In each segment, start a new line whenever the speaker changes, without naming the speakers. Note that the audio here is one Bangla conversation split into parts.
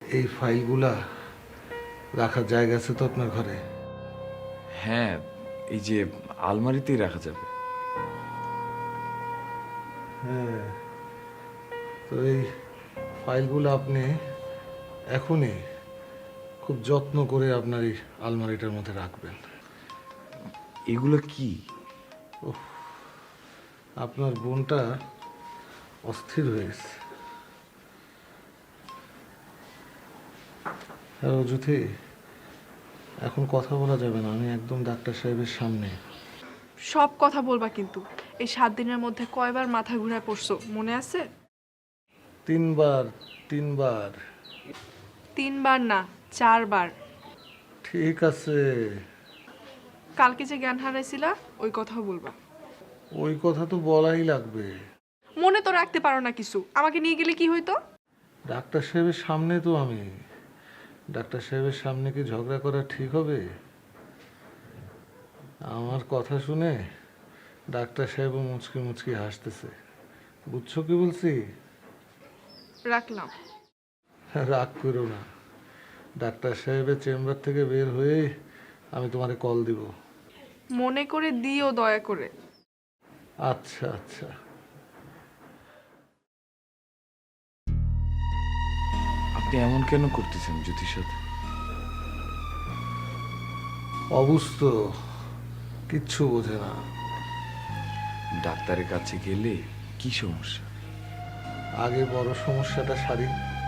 এই ফাইলগুলা রাখার জায়গা আছে তো আপনার ঘরে?
হ্যাঁ, এই যে আলমারিতেই রাখা যাবে।
হ্যাঁ, তো এই ফাইলগুলো আপনি এখনই খুব যত্ন করে আপনার এই আলমারিটার মধ্যে রাখবেন।
এগুলো কি?
আপনার বোনটা অস্থির হয়ে গেছে। হ্যাঁ অযুথি, এখন কথা বলা যাবে না, আমি একদম ডাক্তার সাহেবের সামনে।
সব কথা বলবা কিন্তু। এই 7 দিনের মধ্যে কয়বার মাথা ঘুরায় পড়ছো মনে আছে?
3 বার। 3 বার।
3 বার না, 4 বার।
ঠিক আছে,
কালকে যে জ্ঞান হারাইছিলা ওই কথাও বলবা।
ওই কথা তো বলাই লাগবে।
মনে তো রাখতে পারো না কিছু, আমাকে নিয়ে গেলে কি হইতো?
ডাক্তার সাহেবের সামনে তো আমি। ডাক্তার সাহেবের সামনে কি ঝগড়া করা ঠিক হবে? আমার কথা শুনে ডাক্তার সাহেবও মুচকি মুচকি হাসতেছে। বুঝছো কি বলছি?
রাখলাম।
রাগ করো না, ডাক্তার সাহেবের চেম্বার থেকে বের হয়ে আমি তোমারে কল দিব।
মনে করে দিও দয়া করে।
আচ্ছা আচ্ছা।
আপনি এমন কেন করতেছেন জ্যোতির সাথে?
অবুঝত, কিচ্ছু বোঝে না।
ডাক্তারের কাছে গেলে কি সমস্যা?
আগে বড় সমস্যাটা সারি।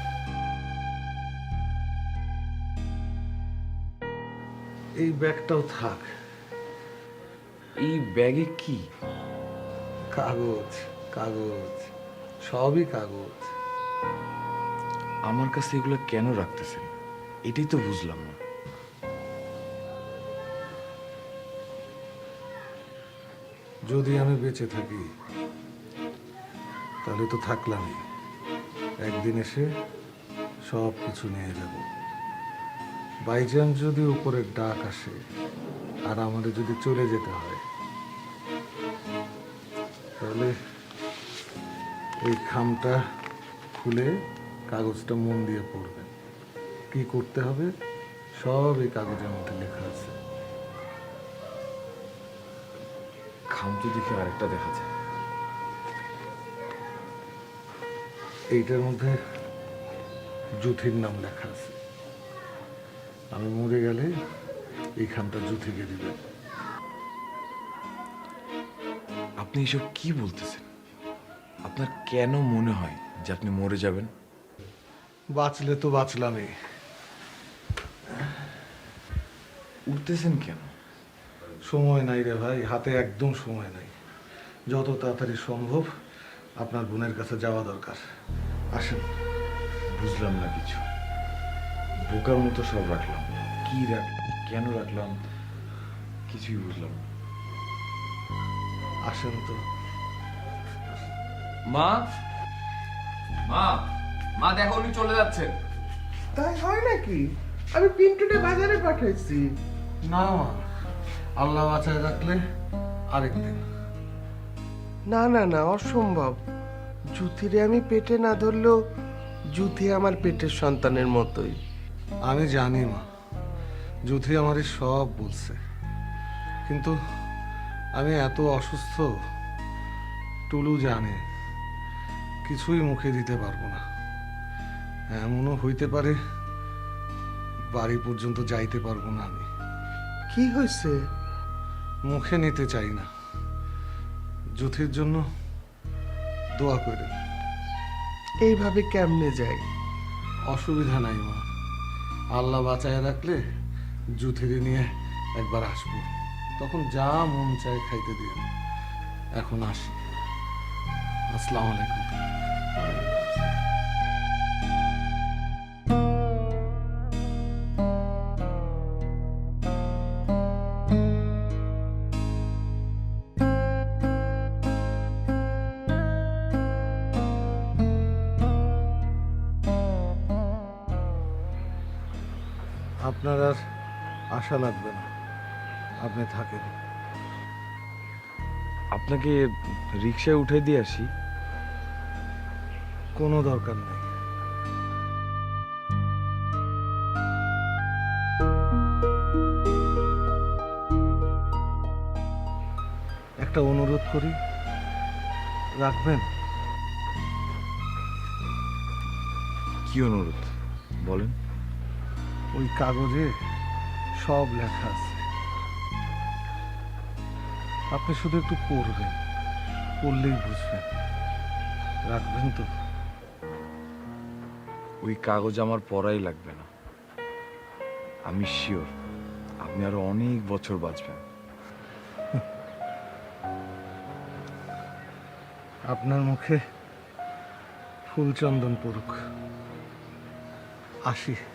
এই ব্যাগটাও থাক।
এই ব্যাগে কি?
কাগজ, কাগজ, সবই কাগজ।
আমার কাছে এগুলো কেন রাখতেছেন এটাই তো বুঝলাম না।
যদি আমি বেঁচে থাকি তাহলে তো থাকলামই, একদিন এসে সব কিছু নিয়ে যাব। বাইচান্স যদি উপরের ডাক আসে আর আমাদের যদি চলে যেতে হয়, তাহলে এই খামটা খুলে কাগজটা মন দিয়ে পড়বেন। কি করতে হবে সব এই কাগজের মধ্যে লেখা আছে।
খামতো দেখে আরেকটা দেখা যায়।
এইটার মধ্যে জুথির নাম লেখা আছে। আমি মরে গেলে এই খামটা জুথিকে দিবেন।
আপনি এসব কি বলতেছেন? আপনার কেন মনে হয় যে আপনি মরে যাবেন?
বাঁচলে তো বাঁচলামই।
উঠতেছেন কেন?
সময় নাই রে ভাই, হাতে একদম সময় নাই। যত তাড়াতাড়ি সম্ভব আপনার বোনের কাছে যাওয়া দরকার। আসেন।
বুঝলাম না কিছু। বোকার মতো সব রাখলাম। কি কেন রাখলাম কিছুই বুঝলাম না।
আসেন তো।
মা, মা, মা দেখো উনি চলে যাচ্ছেন।
তাই হয় নাকি? আমি পিন্টুকে বাজারে পাঠাইছি।
না মা, আল্লাহ বাঁচায় রাখলে আরেকদিন।
না না না, অসম্ভব। জুথিরে আমি পেটে না ধরলেও জুথি আমার পেটের সন্তানের মতোই।
আমি জানি মা, যুথি আমারই সব বলছে, কিন্তু আমি এত অসুস্থ, টুলু জানে, কিছুই মুখে দিতে পারবো না। এমনও হইতে পারে বাড়ি পর্যন্ত যাইতে পারবো না আমি।
কি হয়েছে?
মুখে নিতে চাই না। যুথির জন্য দোয়া করে।
এইভাবে কেমনে যাই?
অসুবিধা নাই মা, আল্লাহ বাঁচায় রাখলে যুথিরে নিয়ে একবার আসবো, তখন যা মন চায় খাইতে দিন। এখন আসি। আসসালামু আলাইকুম। আপনার আর আশা লাগবে না, আপনি থাকেন।
আপনাকে রিক্সায় উঠে দিয়ে আসি।
কোনো দরকার নেই। একটা অনুরোধ করি, রাখবেন?
কি অনুরোধ বলেন?
ওই কাগজে সব লেখা আছে, আপনি শুধু একটু পড়বেন, পড়লেই বুঝবেন। রাখবেন তো?
ওই কাগজ আমার পড়াই লাগবে না। আমি শিওর আপনি আরো অনেক বছর বাঁচবেন।
আপনার মুখে ফুলচন্দন পড়ুক। আসি।